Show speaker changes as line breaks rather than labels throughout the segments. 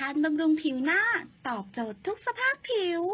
การบำรุงผิวหน้าตอบโจทย์ทุกสภาพผิว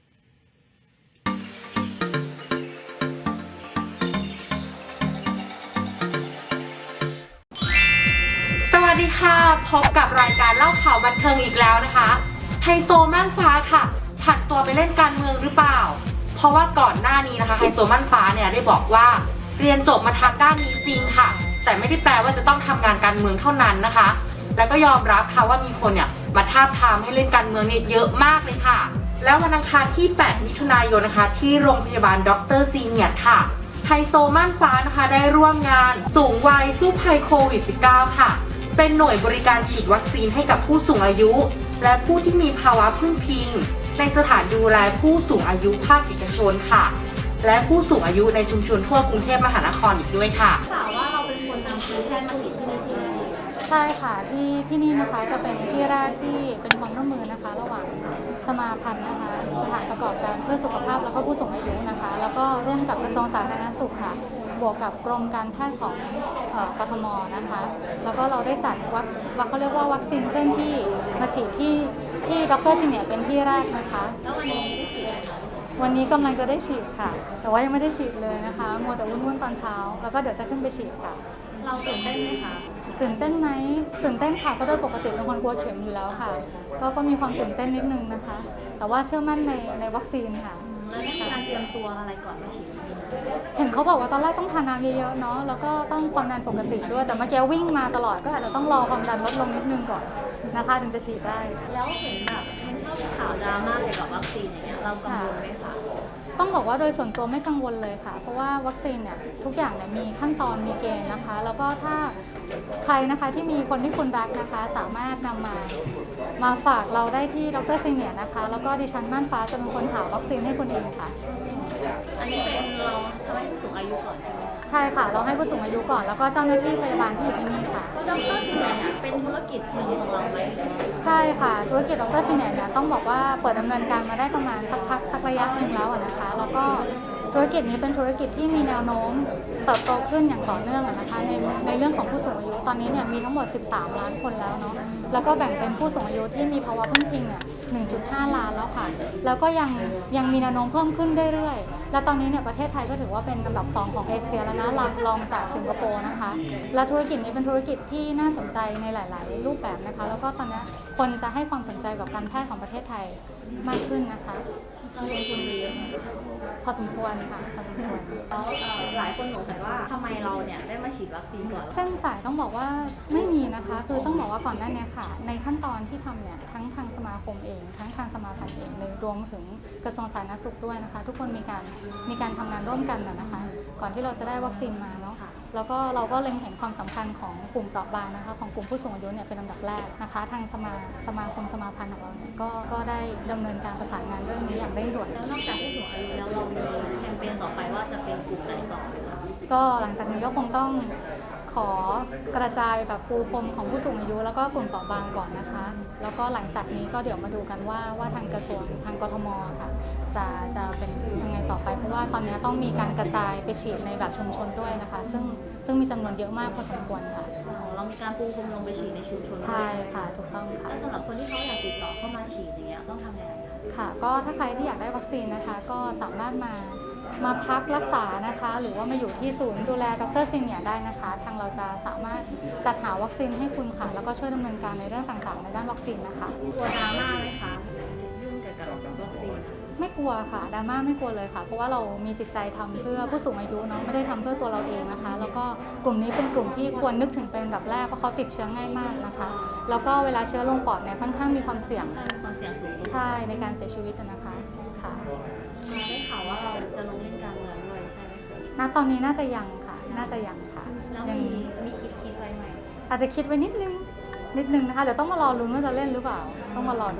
สวัสดีค่ะพบกับรายการเล่าข่าวบันเทิงอีกแล้วนะคะไฮโซม่านฟ้าค่ะผันตัวไปเล่นการเมืองหรือเปล่าเพราะว่าก่อนหน้านี้นะคะไฮโซม่านฟ้าเนี่ยได้บอกว่าเรียนจบมาทางด้านนี้จริงค่ะแต่ไม่ได้แปลว่าจะต้องทำงานการเมืองเท่านั้นนะคะแล้วก็ยอมรับค่ะว่ามีคนเนี่ยมาทาบทามให้เล่นการเมืองเนี่ยเยอะมากเลยค่ะแล้ววันอังคารที่ 8 มิถุนายนนะคะที่โรงพยาบาลดร.ซีเนียร์ค่ะไฮโซม่านฟ้านะคะได้ร่วมงานสูงวัยสู้ภัยโควิด -19 ค่ะเป็นหน่วยบริการฉีดวัคซีนให้กับผู้สูงอายุและผู้ที่มีภาวะพึ่งพิงในสถานดูแลผู้สูงอายุภาคเอกชนค่ะและผู้สูงอายุในชุมชนทั่วกรุงเทพมหานครอีกด้วยค่ะ
ข่าวว่าเราเป็นคนนำทีมแพทย์โควิดที่นี่ที่แรกเลย
ใช่ค่ะที่นี่นะคะจะเป็นที่แรกที่เป็นความร่วมมือนะคะระหว่างสมาพันธ์นะคะสถานประกอบการเพื่อสุขภาพแล้วก็ผู้สูงอายุนะคะแล้วก็ร่วมกับกระทรวงสาธารณสุขค่ะบวกกับกรมการแพทย์ของกทมนะคะแล้วก็เราได้จัดเขาเรียกว่าวัคซีนเคลื่อนที่มาฉีดที่ดร.ซีเนียร์เป็นที่แรกนะคะ
แล้ววันนี้ได้ฉีดไหมคะ
วันนี้กำลังจะได้ฉีดค่ะแต่ว่ายังไม่ได้ฉีดเลยนะคะมัวแต่วุ่นๆตอนเช้าแล้วก็เดี๋ยวจะขึ้นไปฉีดค่ะ
เราตื่นเต้นไหมคะ
ตื่นเต้นไหมตื่นเต้นค่ะเพราะโดยปกติเป็นคนกลัวเข็มอยู่แล้วค่ะก็มีความตื่นเต้นนิดนึงนะคะ แต่ว่าเชื่อมั่นในวัคซีนค่ะ
แล้วได้มีการเตรียมตัวอะไรก่อนมาฉีด
เห็นเขาบอกว่าตอนแรกต้องทานน้ำเยอะๆเนาะแล้วก็ต้องความดันปกติด้วยแต่เมื่อกี้วิ่งมาตลอดก็อาจจะต้องรอความดันลดลงนิดนึงก่อนนะคะถึงจะฉีดได้
แล้วเห็นแบบมันชอบมีข่าวดราม่าเกี่ยวกับวัคซีนอย่างเงี้ยเรากังวลไหมคะ
ต้องบอกว่าโดยส่วนตัวไม่กังวลเลยค่ะเพราะว่าวัคซีนเนี่ยทุกอย่างเนี่ยมีขั้นตอนมีเกณฑ์นะคะแล้วก็ถ้าใครนะคะที่มีคนที่คุณรักนะคะสามารถนำมาฝากเราได้ที่ดร.ซีเนียร์นะคะแล้วก็ดิฉันม่านฟ้าจะเป็นคนหาวัคซีนให้คุณเองค่ะ
อันนี้เป็นเราทำให้ผู้สูงอายุก่อนใช่ไหม
ใช่ค่ะเราให้ผู้สูงอายุก่อนแล้วก็เจ้าหน้าที่พยาบาลที่อยู่ที่นี่ค่ะ
ดร.ซีเนียร์เป็นธุรกิจหนึ่งของเราไหม
ใช่ค่ะธุรกิจดร.ซีเนียร์เนี่ยต้องบอกว่าเปิดดำเนินการมาได้ประมาณสักระยะหนึ่งแล้วนะคะแล้วก็ธุรกิจนี้เป็นธุรกิจที่มีแนวโน้มเติบโตขึ้นอย่างต่อเนื่องนะคะในเรื่องของผู้สูงอายุตอนนี้เนี่ยมีทั้งหมด13 ล้านคนแล้วเนาะแล้วก็แบ่งเป็นผู้สูงอายุที่มีภาวะพึ่งพิงเนี่ย 1.5 ล้านแล้วค่ะแล้วก็ยังมีแนวโน้มเพิ่มขึ้นเรื่อยๆและตอนนี้เนี่ยประเทศไทยก็ถือว่าเป็นอันดับ2ของเอเชียแล้วนะรองจากสิงคโปร์นะคะและธุรกิจนี้เป็นธุรกิจที่น่าสนใจในหลายๆรูปแบบนะคะแล้วก็ตอนนี้คนจะให้ความสนใจกับการแพทย์ของประเทศไทยมากขึ้นนะคะ
เราลงทุนไปเยอะ
พอสมควรค่ะพอสมควร
แล้วหลายคนสงสัยว่าทำไมเราเนี่ยได้มาฉีดวัคซีนก่อน
เส้นสายต้องบอกว่าไม่มีนะคะคือต้องบอกว่าก่อนหน้านี้ค่ะในขั้นตอนที่ทำเนี่ยทั้งทางสมาคมเองทั้งทางสมาพันธ์เองเลยรวมถึงกระทรวงสาธารณสุขด้วยนะคะทุกคนมีการทำงานร่วมกันนะคะก่อนที่เราจะได้วัคซีนมาเนาะแล้วก็เราก็เล็งเห็นความสำคัญของกลุ่มเปราะบางนะคะของกลุ่มผู้สูงอายุเนี่ยเป็นลำดับแรกนะคะทางสมาคมสมาพันธ์ของเราเนี่ยก็ได้ดำเนินการประสานงานเรื่องนี้อย่างเร่งด่วน
แล้วนอกจากผู้สูงอายุแล้วเรามีแคมเปญต่อไปว่าจะเป็นกลุ่มไหนต่อไหมคะ
ก็หลังจากนี้ก็คงต้องขอกระจายแบบปูพรมของผู้สูงอายุแล้วก็กลุ่มเปราะบางก่อนนะคะแล้วก็หลังจากนี้ก็เดี๋ยวมาดูกันว่าทางกระทรวงทางกทมค่ะจะเป็นยังไงต่อไปเพราะว่าตอนนี้ต้องมีการกระจายไปฉีดในแบบชุมชนด้วยนะคะซึ่งมีจำนวนเยอะมากพอสมควรค่ะ
เรามีการปูพรมลงไปฉีดในชุมชน
ใช่ค่ะถูกต้องค่ะ
แล้วสำหรับคนที่เขาอยากติดต่อเข้ามาฉีดอย่างเงี้ยต้องทำยังไง
ค่ะก็ถ้าใครที่อยากได้วัคซีนนะคะก็สามารถมาพักรักษานะคะหรือว่ามาอยู่ที่ศูนย์ดูแลดร.ซีเนียร์ได้นะคะทางเราจะสามารถจัดหาวัคซีนให้คุณค่ะแล้วก็ช่วยดำเนินการในเรื่องต่างๆในด้านวัคซีนนะคะ
กลัวดราม่าไหมคะยุ่งเกี่ยวกับวัคซีน
ไม่กลัวค่ะดราม่าไม่กลัวเลยค่ะเพราะว่าเรามีจิตใจทำเพื่อผู้สูงอายุเนาะไม่ได้ทำเพื่อตัวเราเองนะคะแล้วก็กลุ่มนี้เป็นกลุ่มที่ควรนึกถึงเป็นอันดับแรกเพราะเขาติดเชื้อง่ายมากนะคะแล้วก็เวลาเชื้อลงปอดเนี่ยค่อนข้างมีความเสี่ยง
สูง
ใช่ในการเสียชีวิตนะคะค่ะ
ได้ข่าวว่าเราจะลงเล่นการเมืองด้วยใช่ไหม
ณตอนนี้น่าจะยังค่ะน่าจะยังค่ะ
แล้วมีคิดไว้ไหม
อาจจะคิดไว้นิดนึงนะคะเดี๋ยวต้องมารอลุ้นว่าจะเล่นหรือเปล่าต้องมารอดู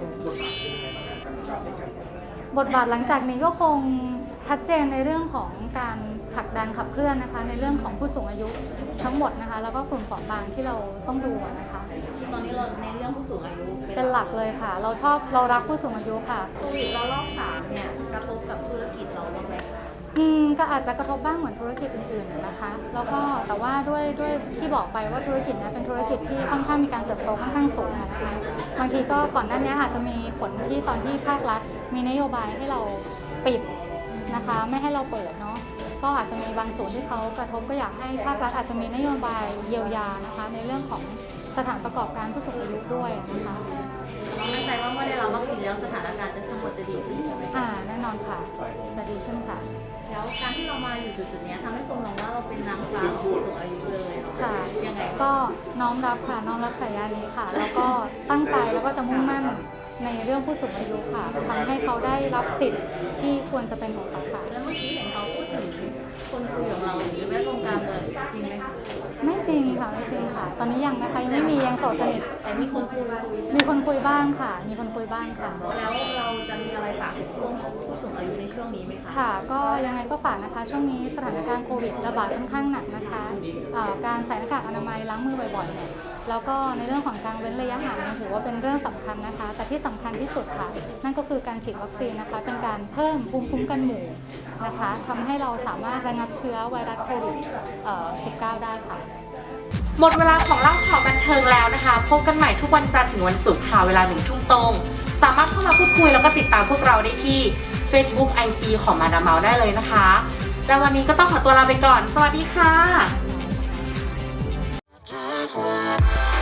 บทบาทหลังจากนี้ก็คงชัดเจนในเรื่องของการผลักดันขับเคลื่อนนะคะในเรื่องของผู้สูงอายุทั้งหมดนะคะแล้วก็กลุ่มเปราะบางที่เราต้องดูนะคะ
ตอนนี้เราในเรื่องผู้สูงอายุ
เป็นหลักเลยค่ะเรารักผู้สูงอายุค่ะ
โควิดเรารอบ3เนี่ยกระทบกับธุรกิจเราบ้างไหม
ก็อาจจะกระทบบ้างเหมือนธุรกิจอื่นๆนะคะแล้วก็แต่ว่าด้วยที่บอกไปว่าธุรกิจนี้เป็นธุรกิจที่ค่อนข้างมีการเติบโตค่อนข้างสูงนะคะบางทีก็ก่อนหน้านี้อาจจะมีผลที่ตอนที่ภาครัฐมีนโยบายให้เราปิดนะคะไม่ให้เราเปิดเนาะก็อาจจะมีบางส่วนที่เขากระทบก็อยากให้ภาครัฐอาจจะมีนโยบายเยียวยานะคะในเรื่องของสถานประกอบการผู้สูงอายุด้วยนะคะ
เราไม่ใจว่าเมื่อได้รับวัคซีนแล้วสถานการณ์จะทั้งหมดจะดีขึ้นใช่ไหมคะ
แน่นอนค่ะจะดีขึ้นค่ะ
แล้วการที่เรามาอยู่จุดๆนี้ทำให้คนมองว่าเราเป็นนางฟ้าของผู้สูงอายุเลยเหรอ
ค่ะ
ยังไง
ก็น้อมรับค่ะน้อมรับฉายานี้ค่ะ แล้วก็ตั้งใจแล้วก็จะมุ่งมั่นในเรื่องผู้สูงอายุค่ะทำให้เขาได้รับสิทธิ์ที่ควรจะเป็นของเขาค่ะ
แล้วเมื่อกี้เห็นเขาพูดถึงคนคุยของเราหรือแวดวงการเมืองจริงไหมคะ
ไม่จริงค่ะไม่จริงค่ะ ตอนนี้ยังนะคะยังไม่มียังโสดสนิท
แต่มีคนคุย
มีคนคุยบ้างค่ะ มีคนคุยบ้างค่ะ
แล้วเราจะมีอะไรฝากถึงช่วงของผู้สูงอายุในช่วงนี้ไหมคะ
ค่ะก็ยังไงก็ฝากนะคะช่วงนี้สถานการณ์โควิดระบาดค่อนข้างหนักนะคะการใส่หน้ากากอนามัยล้างมือบ่อยๆเนี่ยแล้วก็ในเรื่องของการเว้นระยะห่างเนี่ยถือว่าเป็นเรื่องสำคัญนะคะ แต่ที่สำคัญที่สุดค่ะนั่นก็คือการฉีดวัคซีนนะคะเป็นการเพิ่มภูมิคุ้มกันหมู่นะคะทำให้เราสามารถระงับเชื้อไวรัสโควิด-19 ได้ค่ะ
หมดเวลาของเล่าข่าวบันเทิงแล้วนะคะพบกันใหม่ทุกวันจันทร์ถึงวันศุกร์ค่ะเวลา 1 ทุ่มตรงสามารถเข้ามาพูดคุยแล้วก็ติดตามพวกเราได้ที่ Facebook IG ของมาดามเมาได้เลยนะคะและวันนี้ก็ต้องขอตัวลาไปก่อนสวัสดีค่ะ